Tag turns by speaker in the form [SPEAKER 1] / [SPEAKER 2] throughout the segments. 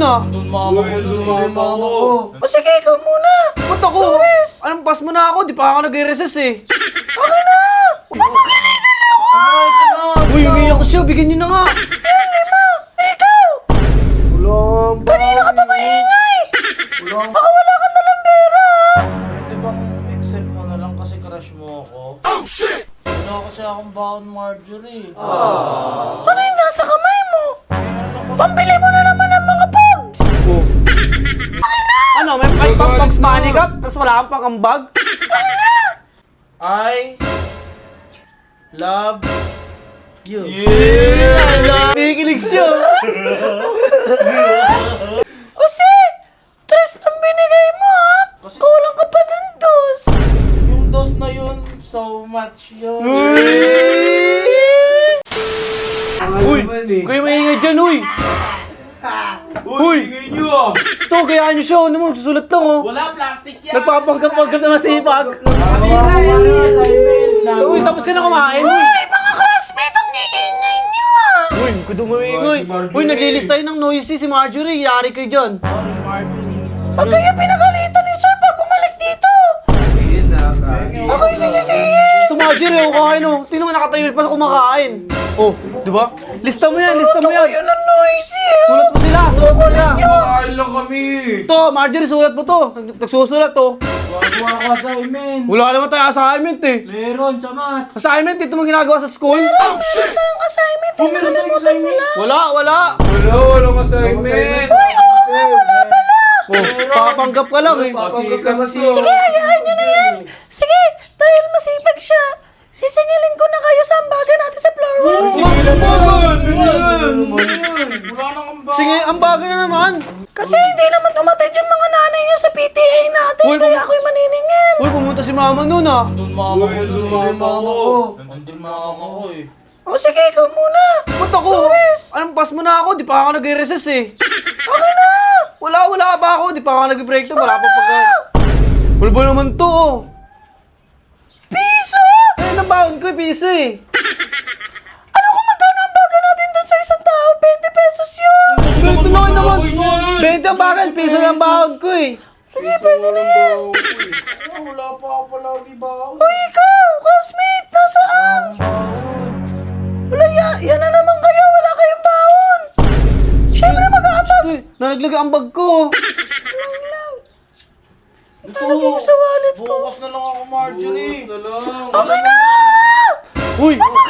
[SPEAKER 1] ah.
[SPEAKER 2] Doon mama ko, doon mama ko.
[SPEAKER 3] O sige, ikaw muna.
[SPEAKER 1] Ba't ako? Anong pass mo na ako? Di pa ako nag-resist eh.
[SPEAKER 3] Okay na. Mapapagalitan ako.
[SPEAKER 1] Uy, umiyak siya. Bigyan niyo na nga.
[SPEAKER 3] Yan, lima. Ikaw.
[SPEAKER 2] Ulang ba?
[SPEAKER 3] Kanina ka pa maingay.
[SPEAKER 2] Ulang
[SPEAKER 3] Baka wala kang dalang pera.
[SPEAKER 2] Pwede bang accept mo na lang kasi crush mo ako? Oh shit! Wala kasi akong baon Marjorie.
[SPEAKER 3] Ano yung nasa kamay mo?
[SPEAKER 2] Ano ko?
[SPEAKER 3] Pambili mo na naman ng mga pogs.
[SPEAKER 1] Oh. Ano, may 5 bucks money ka? Tapos wala kang pangambag?
[SPEAKER 2] I love you.
[SPEAKER 1] Yeah! Nakikinig siya.
[SPEAKER 3] Kasi, tres lang binigay mo ha.
[SPEAKER 2] Kasi-
[SPEAKER 3] Kulang ka pa ng dos.
[SPEAKER 2] Yung dos na yun, so much yun.
[SPEAKER 1] Uy! Kuya maingay dyan, uy! Uy!
[SPEAKER 2] Ingay nyo ah!
[SPEAKER 1] Ito, kayaan niyo siya. Ano mo, susulat lang oh.
[SPEAKER 2] Wala, plastic yan!
[SPEAKER 1] Nagpapanggap-panggap na masipag. Uy, tapos ka na kumain, uy!
[SPEAKER 3] Ay, mga classmate, ang iingay niyo ah.
[SPEAKER 1] Uy, kudong maingay. Uy, naglilis tayo ng noisy si Marjorie. Yari kayo dyan.
[SPEAKER 2] Sorry, Marjorie.
[SPEAKER 3] Ba't kayo pinagalitan ni sir pag bumalik dito? Ako yung sisisihin.
[SPEAKER 1] Ito Marjorie, oh, kain oh. Tingnan mo, nakatayo pa sa kumakain. Oh, di ba? Lista mo yan, lista mo yan.
[SPEAKER 3] Kayo ng noisy eh.
[SPEAKER 1] Sulat mo sila, sulat mo sila.
[SPEAKER 2] Kumakain lang kami!
[SPEAKER 1] Ito, Marjorie, sulat mo to. Nagsusulat to.
[SPEAKER 2] Wala ka assignment!
[SPEAKER 1] Wala naman tayo assignment eh.
[SPEAKER 2] Meron, samat!
[SPEAKER 1] Assignment, ito mo ginagawa sa school?
[SPEAKER 3] Meron tayong assignment. Nakalimutan mo lang.
[SPEAKER 1] Wala.
[SPEAKER 2] Walang assignment!
[SPEAKER 3] Ay, oo nga, wala pala.
[SPEAKER 1] Oh, papanggap ka lang eh.
[SPEAKER 2] Papanggap ka kasi.
[SPEAKER 3] Sige, hayaan nyo na yan. Sige, dahil masipag siya, sisingilin ko na kayo sa ambagan natin sa floor one.
[SPEAKER 2] Wala nang ambag!
[SPEAKER 1] Sige, ang bagay na naman.
[SPEAKER 3] Kasi hindi naman umatid yung mga nanay nyo sa PTA natin,
[SPEAKER 1] Uy,
[SPEAKER 3] kaya ako'y maniningin.
[SPEAKER 1] Uy, pumunta si mama nun ah.
[SPEAKER 2] Doon mama ko, doon mama ko. Nandun mama ko eh.
[SPEAKER 3] O sige, ikaw muna.
[SPEAKER 1] Ba't ako? Anong pass mo na ako? Di pa ako nag-resist eh.
[SPEAKER 3] Okay na.
[SPEAKER 1] Wala pa ako. Di pa ako nag-break to. Wala pa pagka... Wala ba naman to oh?
[SPEAKER 3] Piso!
[SPEAKER 1] Eh, nabaon ko yung piso eh.
[SPEAKER 3] Ano kung magkano ang baga natin dun sa isang tao? 20 pesos yun.
[SPEAKER 1] Ito naman. 20 ang bakal. Piso lang baon ko eh.
[SPEAKER 3] Sige, pwede na yan.
[SPEAKER 2] Wala pa ako palagi baon.
[SPEAKER 3] Uy, ikaw, classmate, nasaan? Wala yan na naman kayo, wala kayong baon. Siyempre mag-aabag.
[SPEAKER 1] Uy, nalaglag ang bag ko.
[SPEAKER 3] Nalagay ko sa wallet ko.
[SPEAKER 2] Bukas na lang ako, Marjorie. Bukas na lang.
[SPEAKER 3] Okay na!
[SPEAKER 1] Uy!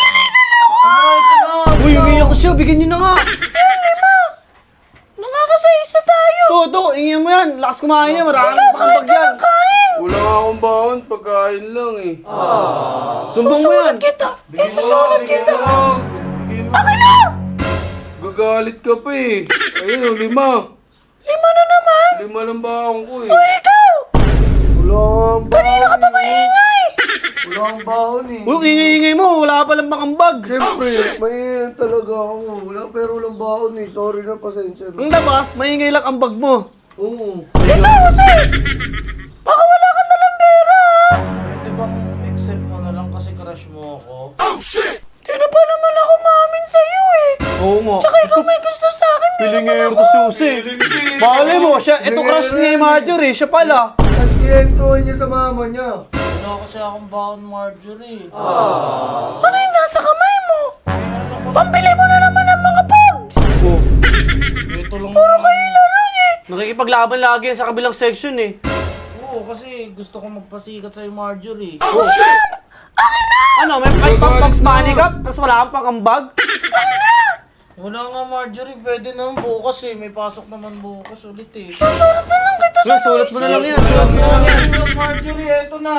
[SPEAKER 1] Uy, umiyak siya. Bigyan niyo na nga.
[SPEAKER 3] Yan, lima. Nakakasa-isa tayo.
[SPEAKER 1] To, ingin mo yan. Lakas kumain yan. Maraming pakabag yan.
[SPEAKER 3] Kain.
[SPEAKER 2] Wala nga akong baon, pagkain lang eh.
[SPEAKER 1] Sumbong mo yan.
[SPEAKER 3] Susulat kita. Isusulat kita.
[SPEAKER 2] Okay na! Gagalit ka pa eh. Ayun, 5.
[SPEAKER 3] Lima na naman.
[SPEAKER 2] 5 lang baon ko eh.
[SPEAKER 3] Uy, ikaw. Kanina ka pa maingay.
[SPEAKER 2] Walang baon eh.
[SPEAKER 1] Uy, ingay mo. Wala palang pakambag.
[SPEAKER 4] Siyempre, may talaga ako. Wala, pero walang baon eh. Sorry na, pasensya na.
[SPEAKER 1] Ang labas, maingay lang ang bag mo.
[SPEAKER 4] Oo.
[SPEAKER 3] Ikaw, kasi. Baka wala kang dalang pera.
[SPEAKER 2] Pwede bang accept mo na lang kasi crush mo ako?
[SPEAKER 3] Di na pa naman ako maamin sa'yo eh.
[SPEAKER 1] Oo nga.
[SPEAKER 3] Tsaka ikaw may gusto sa akin.
[SPEAKER 1] Pilingero to susi. Bakit mo, siya, ito crush ni Marjorie, siya pala.
[SPEAKER 4] Tapos kinentuhan niya sa mama niya.
[SPEAKER 2] Wala kasi akong baon, Marjorie.
[SPEAKER 3] Ano yung nasa kamay mo? Pambili mo na naman ng mga pogs.
[SPEAKER 1] Oh,
[SPEAKER 2] Ito lang
[SPEAKER 1] nakikipaglaban lagi yan sa kabilang section eh.
[SPEAKER 2] Oo, kasi gusto ko magpasikat sa'yo, Marjorie.
[SPEAKER 1] Ano, may 5 bucks money ka? Tapos wala kang pakambag?
[SPEAKER 2] Wala nga, Marjorie. Pwede naman bukas eh. May pasok naman bukas ulit eh.
[SPEAKER 3] Susulat na lang kita sa
[SPEAKER 1] Sulat mo na lang yan.
[SPEAKER 2] Sulat mo lang yan. Marjorie, eto na.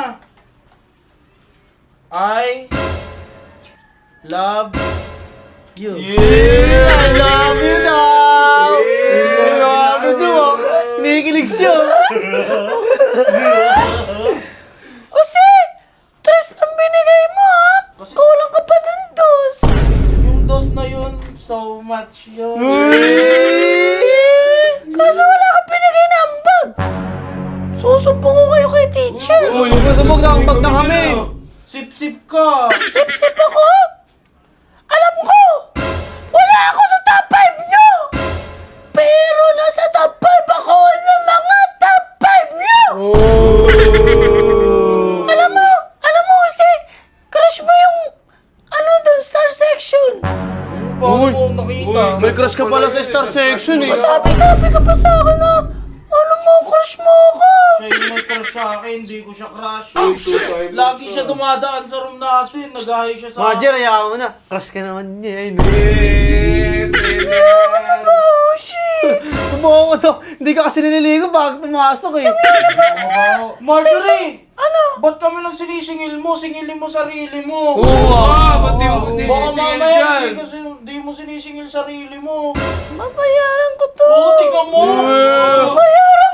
[SPEAKER 2] I love you.
[SPEAKER 1] Yeah! I love you now! Grabe to ah. Nakikinig siya.
[SPEAKER 3] Kasi, tres lang binigay mo ha.
[SPEAKER 2] Kasi-
[SPEAKER 3] Kulang ka pa ng dos.
[SPEAKER 2] Yung dos na yun, so much yun.
[SPEAKER 3] Kaso wala kang binigay na ambag. Susumpong ko kayo kay teacher.
[SPEAKER 1] Uy, yung masabog na ang bag na kami.
[SPEAKER 2] Sip-sip ka.
[SPEAKER 3] Sip-sip ako. Alam ko, wala ako sa top 5 nyo. Pero nasa
[SPEAKER 1] crush ka pala sa Star Section eh.
[SPEAKER 3] Sabi ka pa sa akin na, ano mo, crush mo ako.
[SPEAKER 2] Siya yung may crush sa akin, hindi ko siya crush. Lagi siya dumadaan sa room natin, nag-ahay siya sa
[SPEAKER 1] Marger, hayaan mo na. Crush ka naman niya. Ay, no.
[SPEAKER 3] Oh, shit.
[SPEAKER 1] Subukan ko to. Hindi ka kasi nililigo bago pumasok eh.
[SPEAKER 2] Marjorie!
[SPEAKER 3] Ano?
[SPEAKER 2] Ba't kami lang sinisingil mo? Singilin mo sarili mo.
[SPEAKER 1] Ba't di mo
[SPEAKER 2] Baka mamaya di mo sinisingil sarili mo.
[SPEAKER 3] Babayaran ko to.
[SPEAKER 2] Oo, tingnan mo.
[SPEAKER 3] Bayaran